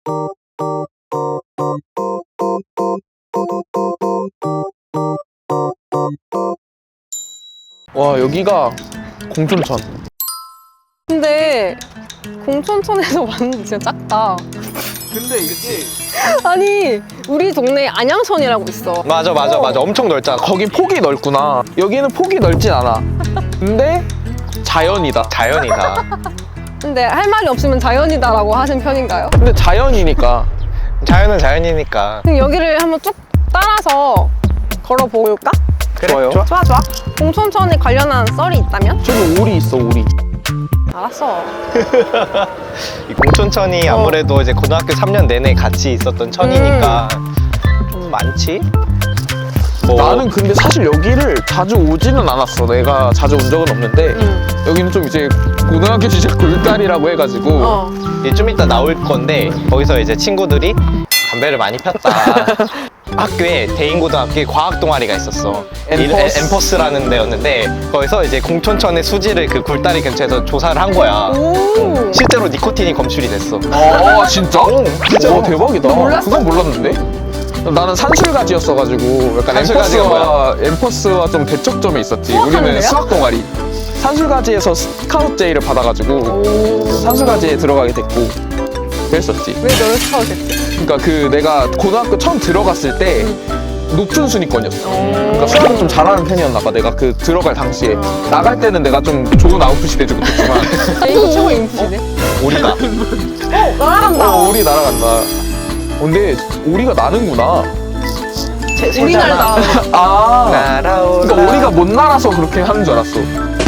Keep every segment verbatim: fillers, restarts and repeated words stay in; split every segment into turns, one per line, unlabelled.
와, 여기가 공촌천.
근데 공촌천에서 왔는데 진짜 작다.
근데 이게
아니 우리 동네에 안양천이라고 있어.
맞아 맞아
어.
맞아 엄청 넓잖아.
거기 폭이 넓구나. 여기는 폭이 넓진 않아. 근데 자연이다.
자연이다.
근데 할 말이 없으면 자연이다라고 하신 편인가요?
근데 자연이니까.
자연은 자연이니까.
그럼 여기를 한번 쭉 따라서 걸어볼까?
그래,
좋아요.
좋아.
좋아 좋아. 공촌천에 관련한 썰이 있다면?
저기 오리 있어, 오리.
알았어.
이 공촌천이
어.
아무래도 이제 고등학교 삼 년 내내 같이 있었던 천이니까 좀 많지? 뭐
나는 근데 사실 여기를 자주 오지는 않았어. 내가 자주 온 적은 없는데
응.
여기는 좀 이제 고등학교 시절 굴다리라고 해가지고
어.
이제 좀 이따 나올 건데 거기서 이제 친구들이 담배를 많이 폈다. 학교에 대인고등학교에 과학 동아리가 있었어.
엠퍼스.
엠퍼스라는 데였는데 거기서 이제 공촌천의 수지를 그 굴다리 근처에서 조사를 한 거야.
오.
실제로 니코틴이 검출이 됐어.
아, 진짜?
진짜.
와, 대박이다.
너 몰랐어?
그건 몰랐는데? 나는 산술가지였어가지고 약간
산술가지가
엠퍼스와, 엠퍼스와 좀 대척점에 있었지.
수학하는
우리는
데요?
수학 동아리. 산술가지에서 스카우트 제의를 받아가지고
오.
산술가지에 들어가게 됐고 그랬었지.
왜 너를 스카우트했지?
그러니까 그 내가 고등학교 처음 들어갔을 때 높은 순위권이었어. 그러니까
오.
수학을 좀 잘하는 편이었나 봐. 내가 그 들어갈 당시에 나갈 때는 내가 좀 좋은 아웃풋이 되지 못했지만
이거 최고 인풋이네.
우리가
어, 날아간다.
어, 오리 날아간다. 근데 오리가 나는구나.
우리 날다.
아,
날아올라.
그러니까 오리가 못 날아서 그렇게 하는 줄 알았어.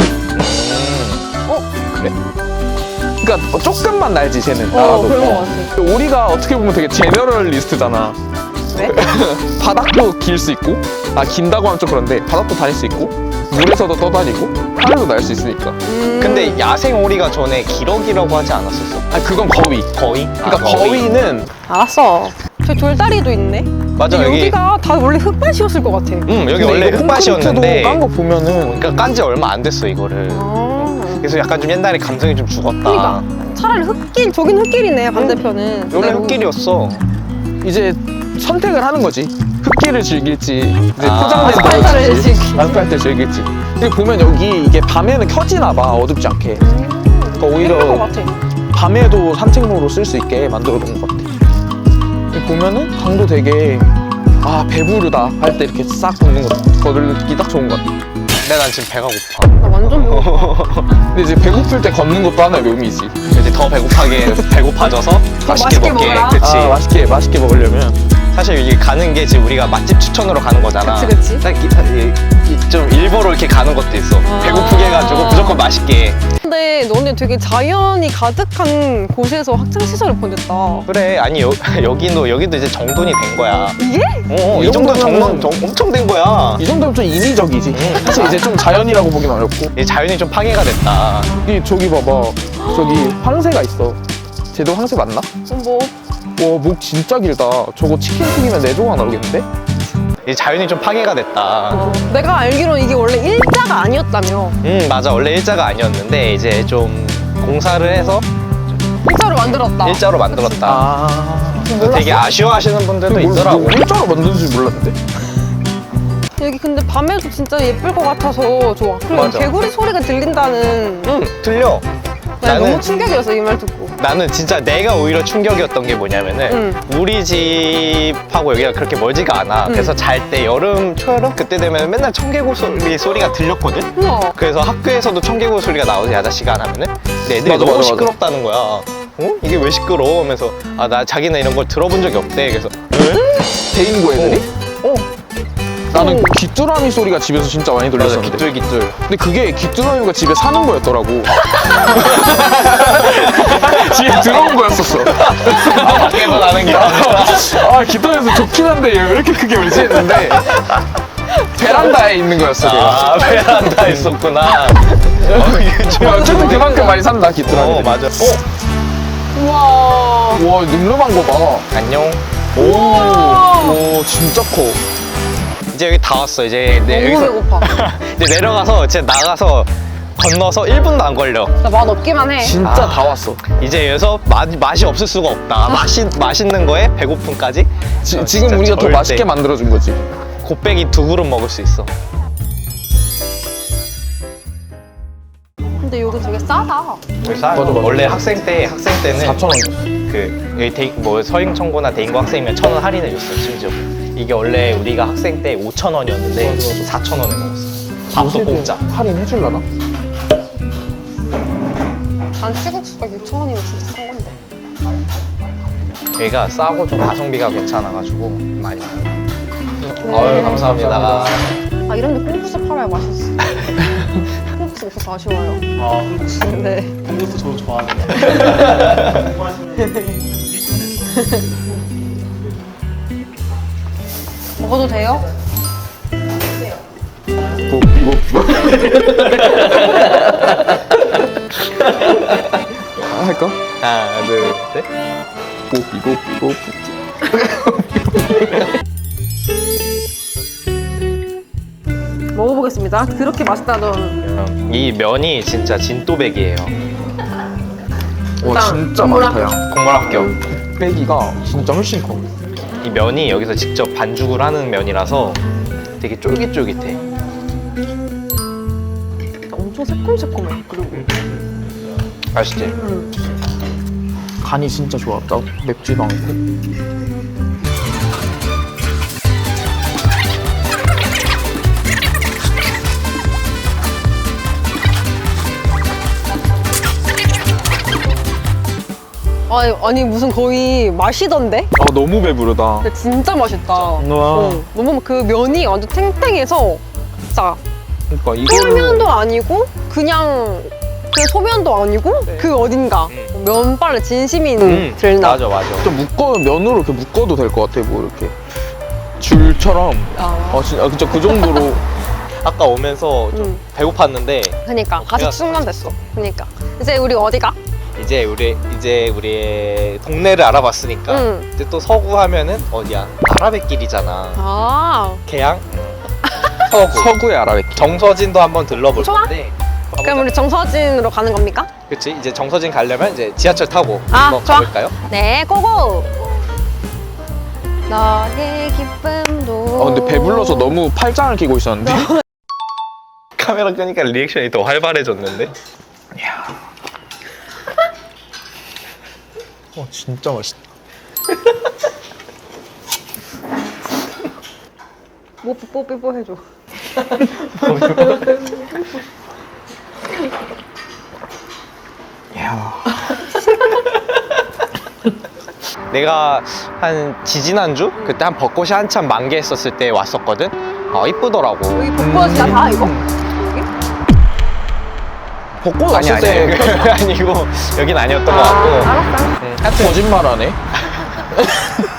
어?
그래? 그러니까 조금만 날지 쟤는.
어,
나라도.
그런 거 같아.
오리가 어떻게 보면 되게 제너럴리스트잖아.
왜?
바닥도 길 수 있고, 아 긴다고 하면 좀 그런데 바닥도 다닐 수 있고, 물에서도 떠다니고, 하늘도 날 수 있으니까.
음.
근데 야생 오리가 전에 기러기라고 하지 않았었어?
아 그건 거위.
거위?
그러니까
아, 거위.
거위는
알았어. 저 돌다리도 있네.
맞아
근데
여기.
여기가 다 원래 흙밭이었을 것 같아.
응 여기 원래 흙밭이었는데
깐거 보면은
그러니까 깐 지 얼마 안 됐어 이거를.
아.
그래서 약간 좀 옛날에 감성이 좀 죽었다.
그러니까 차라리 흙길, 저긴 흙길이네 반대편은.
원래
그대로.
흙길이었어.
이제 선택을 하는 거지. 흙길을 즐길지, 이제
아,
포장된
아스팔트를
거를
즐길지.
아스팔트를 즐길지. 근데 보면 여기 이게 밤에는 켜지나 봐, 어둡지 않게. 그러니까
그런 것
오히려
같아.
밤에도 산책로로 쓸 수 있게 만들어 놓은 것 같아. 여기 보면은 강도 되게 아 배부르다 할 때 이렇게 싹 걷는 거 걷기 딱 좋은 것 같아.
근데 난 지금 배가 고파.
나 완전 배고파.
근데 이제 배고플 때 걷는 것도 하나의 묘미지.
이제 더 배고파게 배고파져서 맛있게,
맛있게
먹게.
먹어라.
그치.
아 맛있게 맛있게 먹으려면
사실 이게 가는 게 지금 우리가 맛집 추천으로 가는 거잖아.
그치, 그치.
딱 이, 이, 이, 좀 일부러 이렇게 가는 것도 있어.
아.
배고프게 해가지고 무조건 맛있게.
근데 너네 되게 자연이 가득한 곳에서 학창 시절을 보냈다.
그래 아니 여, 여기도 여기도 이제 정돈이 된 거야.
이게?
어,
이
이 정도
정도면은-
정돈 정- 엄청 된 거야.
이 정도면 좀 인위적이지. 사실 이제 좀 자연이라고 보긴 어렵고.
이 자연이 좀 파괴가 됐다.
여기 저기 봐봐. 저기 황새가 있어. 쟤도 황새 맞나?
그럼 뭐
와, 목 진짜 길다. 저거 치킨 튀기면 네 조각 나오겠는데?
이 자연이 좀 파괴가 됐다.
내가 알기로는 이게 원래 일자가 아니었다며.
음 맞아 원래 일자가 아니었는데 이제 좀 공사를 해서
일자로 만들었다.
일자로 만들었다.
아.
몰랐어?
되게 아쉬워하시는 분들도 있더라고.
일자로 만드는지 몰랐는데?
여기 근데 밤에도 진짜 예쁠 것 같아서 좋아. 그리고
맞아.
개구리 소리가 들린다는.
응 들려.
나
나는-
너무 충격이었어 이 말 듣고.
나는 진짜 내가 오히려 충격이었던 게 뭐냐면은 우리 집하고 여기가 그렇게 멀지가 않아.
응.
그래서 잘 때 여름 초여름 그때 되면 맨날 청개구 소리 소리가 들렸거든.
우와.
그래서 학교에서도 청개구 소리가 나오지 야자 시간 하면은 근데 애들이
맞아,
너무
맞아,
시끄럽다는 거야. 어? 이게 왜 시끄러워? 하면서 아 나 자기는 이런 걸 들어본 적이 없대. 그래서 왜?
대인고 애들이?
어.
나는
오.
귀뚜라미 소리가 집에서 진짜 많이
맞아
들렸었는데.
기뚤기뚤.
근데 그게 귀뚜라미가 집에 사는 거였더라고. 집에 들어온 거였었어.
밖에서 나는 게 아니라.
아, 귀뚜라미에서 좋긴 한데 왜 이렇게 크게 울지 했는데 베란다에 있는 거였어.
아
걔가.
베란다 있었구나. 어, 이게 좀
어쨌든 그만큼 많이 산다 귀뚜라미.
어 맞아. 어
우와.
와, 늠름한 거 봐.
안녕.
오, 오, 진짜 커.
이제 여기 다 왔어. 이제 내
너무
여기서
배고파.
이제 내려가서 이제 나가서 건너서 일 분도 안 걸려.
나 맛 없기만 해.
진짜
아.
다 왔어.
이제 여기서 맛, 맛이 없을 수가 없다. 맛이, 맛있는 거에 배고픔까지.
지,
어,
지금
진짜
우리가 더
절대.
맛있게 만들어준 거지.
곱빼기 두 그릇 먹을 수 있어.
근데 여기 되게 싸다.
맞아,
맞아.
원래 학생 때 학생 때는
사천 원.
그 여기 대, 뭐 서행 청구나 대인고 학생이면 천 원 할인해 줬어 심지어. 이게 원래 우리가 학생 때 오천 원이었는데
맞아, 맞아.
사천 원에 먹었어. 밥도 공짜.
할인해줄라나?
난 찌국수가 육천 원이면 진짜 싼 건데.
여기가 싸고 좀 가성비가 괜찮아가지고 많이 먹어.
네.
아유 감사합니다.
아 이런데 콩국수 팔아야 맛있어. 콩국수 없어서 아쉬워요.
아, 콩국수.
네.
콩국수 저 좋아하는데.
먹어도 돼요?
뭐, 뭐, 뭐. 아, 할까?
하나 둘 셋.
뽀삐, 뽀삐, 뽀삐.
먹어보겠습니다. 그렇게 맛있다던.
이 면이 진짜 진또백이에요.
와,
일단
진짜
국물
많다, 야.
국물 합격.
빼기가 진짜 훨씬 커.
이 면이 여기서 직접 반죽을 하는 면이라서 되게 쫄깃쫄깃해.
엄청 새콤새콤해. 그리고.
맛있지?
음.
간이 진짜 좋았다. 맵지도 않고.
아니, 아니 무슨 거의 마시던데?
아, 너무 배부르다.
근데 진짜 맛있다.
와.
어, 너무 그 면이 완전 탱탱해서 진짜
그러니까 이거를
쫄면도 아니고 그냥 그 소면도 아니고 그 어딘가
음.
면발에 진심이
음,
들나.
맞아 맞아.
좀 묶어 면으로 이렇게 묶어도 될 것 같아. 뭐 이렇게 줄처럼.
아,
아, 진짜 진짜 그 정도로.
아까 오면서 좀
음.
배고팠는데
그니까 가서
배가
충전됐어. 그니까 이제 우리 어디가?
이제 우리 이제 우리의 동네를 알아봤으니까
응.
이제 또 서구 하면은 어디야? 아라뱃길이잖아.
아,
개양? 서구.
서구의 아라뱃길.
정서진도 한번 들러볼
좋아.
건데.
그럼 우리 정서진으로 가는 겁니까?
그렇지. 이제 정서진 가려면 이제 지하철 타고
아,
한번
좋아.
가볼까요?
네, 고고. 너의 기쁨도.
아, 근데 배불러서 너무 팔짱을 끼고 있었는데.
카메라 끄니까 리액션이 더 활발해졌는데.
어, 진짜 맛있다.
뭐 뽀뽀뽀 해줘.
이야.
내가 한 지지난주 그때 한 벚꽃이 한참 만개했었을 때 왔었거든. 어 이쁘더라고.
여기 벚꽃이야 다 이거? 여기?
벚꽃
아니
왔을
아니
때
아니고 여긴 아니었던 것 같고.
알았어.
음, 하여튼
거짓말하네.